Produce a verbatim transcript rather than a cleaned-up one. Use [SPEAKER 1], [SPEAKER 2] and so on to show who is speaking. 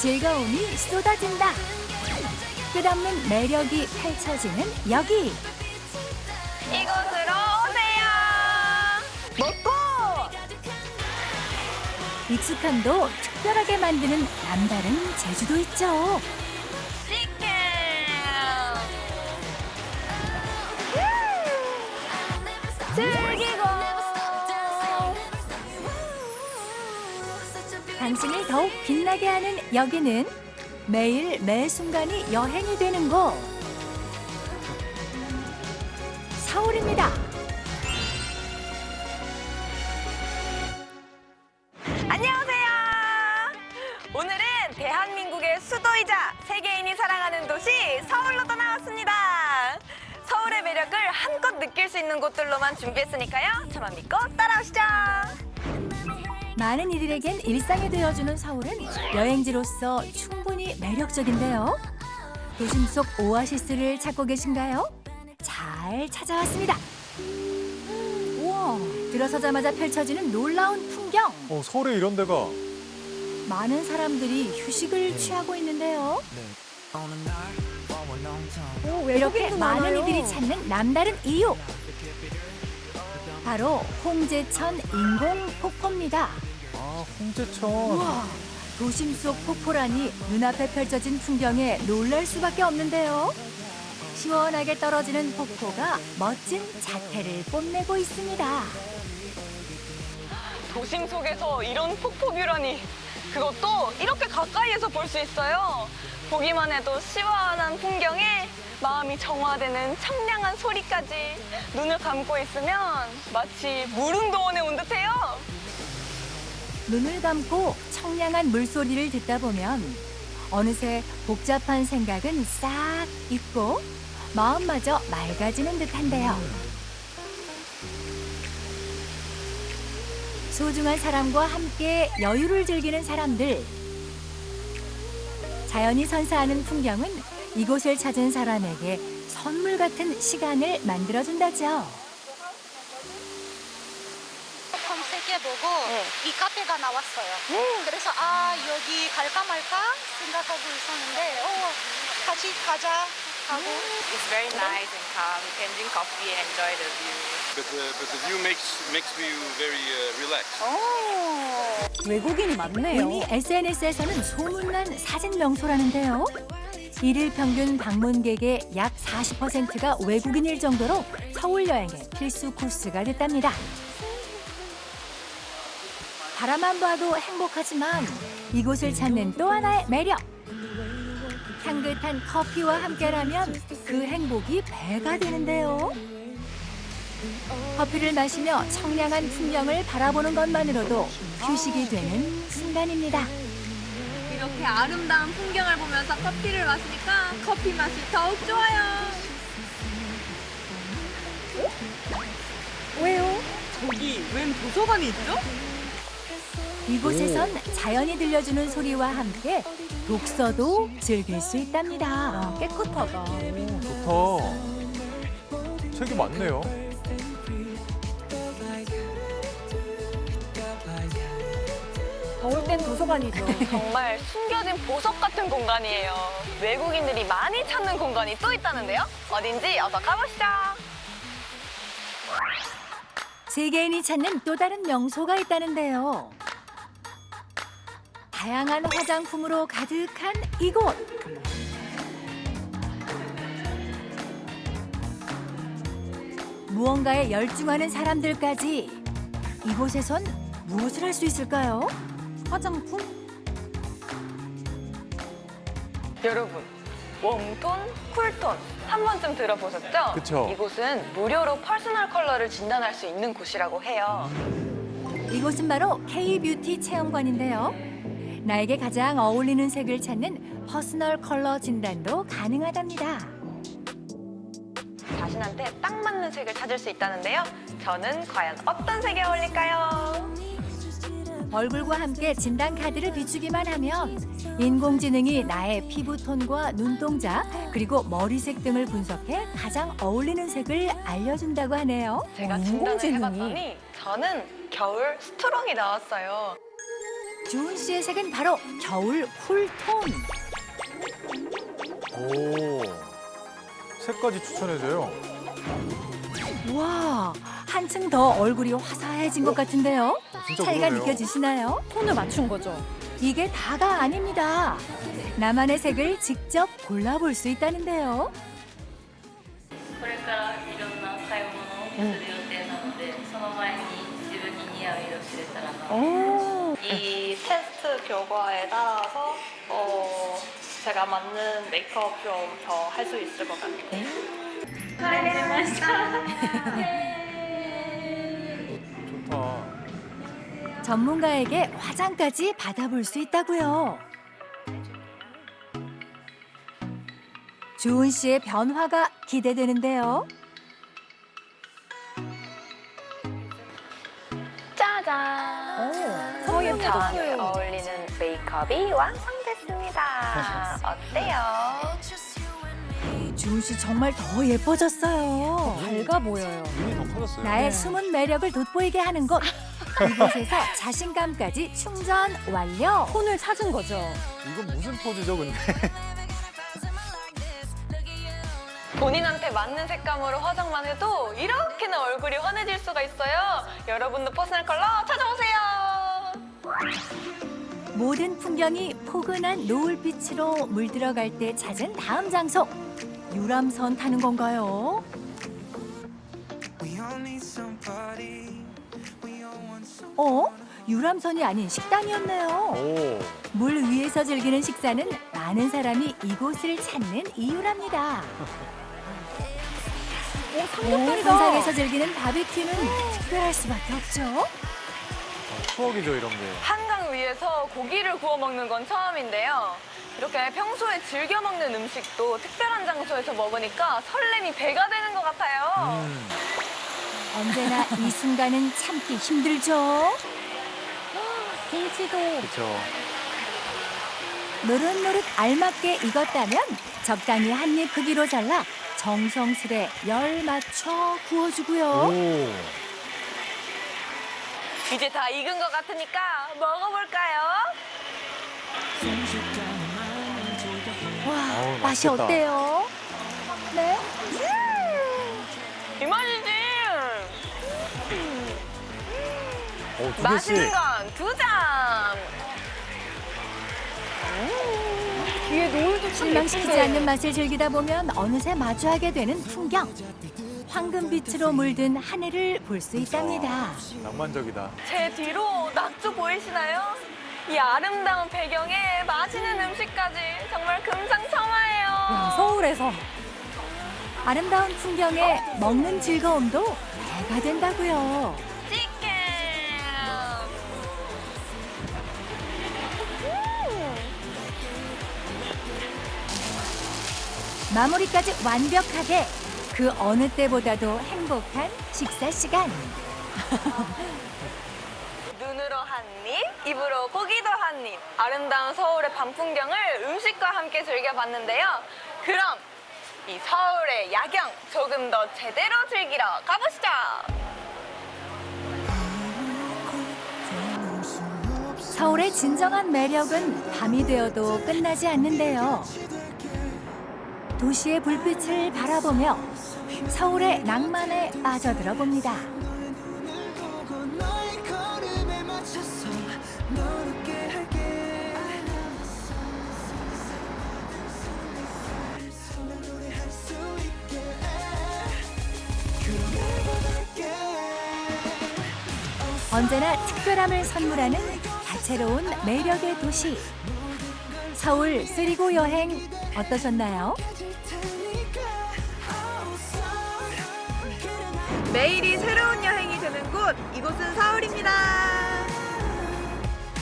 [SPEAKER 1] 즐거움이 쏟아진다. 끝없는 매력이 펼쳐지는 여기.
[SPEAKER 2] 이곳으로 오세요. 먹고
[SPEAKER 1] 익숙함도 특별하게 만드는 남다른 제주도 있죠.
[SPEAKER 2] 치킨. 즐기고
[SPEAKER 1] 당신을 더욱 빛나게 하는 여기는 매일 매 순간이 여행이 되는 곳. 서울입니다.
[SPEAKER 2] 안녕하세요. 오늘은 대한민국의 수도이자 세계인이 사랑하는 도시 서울로 떠나왔습니다. 서울의 매력을 한껏 느낄 수 있는 곳들로만 준비했으니까요. 저만 믿고 따라오시죠.
[SPEAKER 1] 많은 이들에겐 일상이 되어주는 서울은 여행지로서 충분히 매력적인데요. 도심 속 오아시스를 찾고 계신가요? 잘 찾아왔습니다. 우와, 들어서자마자 펼쳐지는 놀라운 풍경.
[SPEAKER 3] 어, 서울에 이런 데가.
[SPEAKER 1] 많은 사람들이 휴식을 취하고 있는데요.
[SPEAKER 4] 오,
[SPEAKER 1] 이렇게
[SPEAKER 4] 외국인도
[SPEAKER 1] 많은
[SPEAKER 4] 많아요.
[SPEAKER 1] 이들이 찾는 남다른 이유. 바로 홍제천 인공 폭포입니다.
[SPEAKER 3] 아, 홍제천.
[SPEAKER 1] 우와, 도심 속 폭포라니 눈앞에 펼쳐진 풍경에 놀랄 수밖에 없는데요. 시원하게 떨어지는 폭포가 멋진 자태를 뽐내고 있습니다.
[SPEAKER 2] 도심 속에서 이런 폭포뷰라니. 그것도 이렇게 가까이에서 볼 수 있어요. 보기만 해도 시원한 풍경에 마음이 정화되는 청량한 소리까지. 눈을 감고 있으면 마치 무릉도원에 온 듯해요.
[SPEAKER 1] 눈을 감고 청량한 물소리를 듣다 보면 어느새 복잡한 생각은 싹 잊고 마음마저 맑아지는 듯한데요. 소중한 사람과 함께 여유를 즐기는 사람들. 자연이 선사하는 풍경은 이곳을 찾은 사람에게 선물 같은 시간을 만들어준다죠.
[SPEAKER 4] 검색해보고
[SPEAKER 2] 네.
[SPEAKER 4] 이 카페가 나왔어요. 그래서 아 여기 갈까 말까 생각하고 있었는데 어, 같이 가자 하고
[SPEAKER 5] It's very nice and calm. You can drink coffee and enjoy the view.
[SPEAKER 6] But the, but the view makes makes you very uh, relaxed.
[SPEAKER 4] 외국인이 많네요.
[SPEAKER 1] 이미 에스엔에스에서는 소문난 사진 명소라는데요. 일일 평균 방문객의 약 사십 퍼센트가 외국인일 정도로 서울 여행의 필수 코스가 됐답니다. 바라만 봐도 행복하지만 이곳을 찾는 또 하나의 매력. 향긋한 커피와 함께라면 그 행복이 배가 되는데요. 커피를 마시며 청량한 풍경을 바라보는 것만으로도 휴식이 되는 순간입니다.
[SPEAKER 7] 이렇게 아름다운 풍경을 보면서 커피를 마시니까 커피 맛이 더욱 좋아요.
[SPEAKER 1] 왜요?
[SPEAKER 7] 저기 웬 도서관이 있죠?
[SPEAKER 1] 이곳에선 자연이 들려주는 소리와 함께 독서도 즐길 수 있답니다.
[SPEAKER 4] 깨끗하다.
[SPEAKER 3] 좋다. 책이 많네요.
[SPEAKER 4] 더울 땐 도서관이죠.
[SPEAKER 2] 정말 숨겨진 보석 같은 공간이에요. 외국인들이 많이 찾는 공간이 또 있다는데요. 어딘지 어서 가보시죠.
[SPEAKER 1] 세계인이 찾는 또 다른 명소가 있다는데요. 다양한 화장품으로 가득한 이곳. 무언가에 열중하는 사람들까지. 이곳에선 무엇을 할 수 있을까요?
[SPEAKER 4] 화장품?
[SPEAKER 2] 여러분, 웜톤, 쿨톤 한 번쯤 들어보셨죠?
[SPEAKER 3] 그쵸.
[SPEAKER 2] 이곳은 무료로 퍼스널 컬러를 진단할 수 있는 곳이라고 해요.
[SPEAKER 1] 이곳은 바로 K-뷰티 체험관인데요. 나에게 가장 어울리는 색을 찾는 퍼스널 컬러 진단도 가능하답니다.
[SPEAKER 2] 자신한테 딱 맞는 색을 찾을 수 있다는데요. 저는 과연 어떤 색이 어울릴까요?
[SPEAKER 1] 얼굴과 함께 진단 카드를 비추기만 하면 인공지능이 나의 피부톤과 눈동자 그리고 머리색 등을 분석해 가장 어울리는 색을 알려준다고 하네요.
[SPEAKER 2] 제가 진단을 해봤더니 저는 겨울 스트롱이 나왔어요.
[SPEAKER 1] 주은 씨의 색은 바로 겨울 쿨톤.
[SPEAKER 3] 오. 색까지 추천해줘요.
[SPEAKER 1] 와, 한층 더 얼굴이 화사해진 것 같은데요?
[SPEAKER 3] 진짜
[SPEAKER 1] 차이가
[SPEAKER 3] 그러네요.
[SPEAKER 1] 느껴지시나요?
[SPEAKER 7] 톤을 맞춘 거죠.
[SPEAKER 1] 이게 다가 아닙니다. 나만의 색을 직접 골라볼 수 있다는데요.
[SPEAKER 8] これからいろんな買い物をする予定なので、その前に自分に似合う色を知れたらな。
[SPEAKER 5] 이 테스트 결과에 따라서 어, 제가 맞는 메이크업 좀 더 할 수 있을 것 같아요.
[SPEAKER 3] 좋다.
[SPEAKER 1] 전문가에게 화장까지 받아볼 수 있다고요. 주은 씨의 변화가 기대되는데요.
[SPEAKER 2] 짜잔.
[SPEAKER 7] 더 예뻐졌어요.
[SPEAKER 2] 어울리는 메이크업이 완성됐습니다. 어때요?
[SPEAKER 1] 주은 씨 정말 더 예뻐졌어요.
[SPEAKER 7] 밝아 보여요.
[SPEAKER 3] 눈이 더 커졌어요.
[SPEAKER 1] 나의 숨은 매력을 돋보이게 하는 곳. 이곳에서 자신감까지 충전 완료.
[SPEAKER 7] 톤을 찾은 거죠.
[SPEAKER 3] 이건 무슨 포즈죠, 근데?
[SPEAKER 2] 본인한테 맞는 색감으로 화장만 해도 이렇게나 얼굴이 환해질 수가 있어요. 여러분도 퍼스널 컬러 찾아오세요.
[SPEAKER 1] 모든 풍경이 포근한 노을빛으로 물들어갈 때 찾은 다음 장소. 유람선 타는 건가요? 어? 유람선이 아닌 식당이었네요.
[SPEAKER 3] 오.
[SPEAKER 1] 물 위에서 즐기는 식사는 많은 사람이 이곳을 찾는 이유랍니다.
[SPEAKER 7] 오, 삼겹살이다.
[SPEAKER 1] 한상에서 즐기는 바비큐는 특별할 수밖에 없죠.
[SPEAKER 3] 아, 추억이죠, 이런 게.
[SPEAKER 2] 한강 위에서 고기를 구워 먹는 건 처음인데요. 이렇게 평소에 즐겨 먹는 음식도 특별한 장소에서 먹으니까 설렘이 배가 되는 것 같아요.
[SPEAKER 3] 음.
[SPEAKER 1] 언제나 이 순간은 참기 힘들죠.
[SPEAKER 7] 김치도
[SPEAKER 3] 그렇죠.
[SPEAKER 1] 노릇노릇 알맞게 익었다면 적당히 한 입 크기로 잘라 정성스레 열 맞춰 구워주고요.
[SPEAKER 3] 오.
[SPEAKER 2] 이제 다 익은 것 같으니까 먹어볼까요?
[SPEAKER 1] 와,
[SPEAKER 3] 아우,
[SPEAKER 1] 맛이
[SPEAKER 3] 맛있겠다.
[SPEAKER 1] 어때요? 네?
[SPEAKER 2] 이 맛이지.
[SPEAKER 3] 오, 두 개씩.
[SPEAKER 2] 맛있는 건 두 장.
[SPEAKER 7] 뒤에 노을도 참
[SPEAKER 1] 실망시키지
[SPEAKER 7] 예쁜데.
[SPEAKER 1] 않는 맛을 즐기다 보면 어느새 마주하게 되는 풍경. 황금빛으로 물든 하늘을 볼 수 있답니다.
[SPEAKER 3] 낭만적이다.
[SPEAKER 2] 제 뒤로 낙조 보이시나요? 이 아름다운 배경에 맛있는 음식까지 정말 금상첨화예요.
[SPEAKER 7] 야, 서울에서
[SPEAKER 1] 아름다운 풍경에 먹는 즐거움도 배가 된다고요.
[SPEAKER 2] 치킨.
[SPEAKER 1] 마무리까지 완벽하게 그 어느 때보다도 행복한 식사 시간.
[SPEAKER 2] 눈으로 한 입, 입으로 고기도 한 입. 아름다운 서울의 밤 풍경을 음식과 함께 즐겨봤는데요. 그럼 이 서울의 야경 조금 더 제대로 즐기러 가보시죠.
[SPEAKER 1] 서울의 진정한 매력은 밤이 되어도 끝나지 않는데요. 도시의 불빛을 바라보며 서울의 낭만에 빠져들어 봅니다. 언제나 특별함을 선물하는 다채로운 매력의 도시. 서울 쓰리고 여행 어떠셨나요?
[SPEAKER 2] 매일이 새로운 여행이 되는 곳, 이곳은 서울입니다.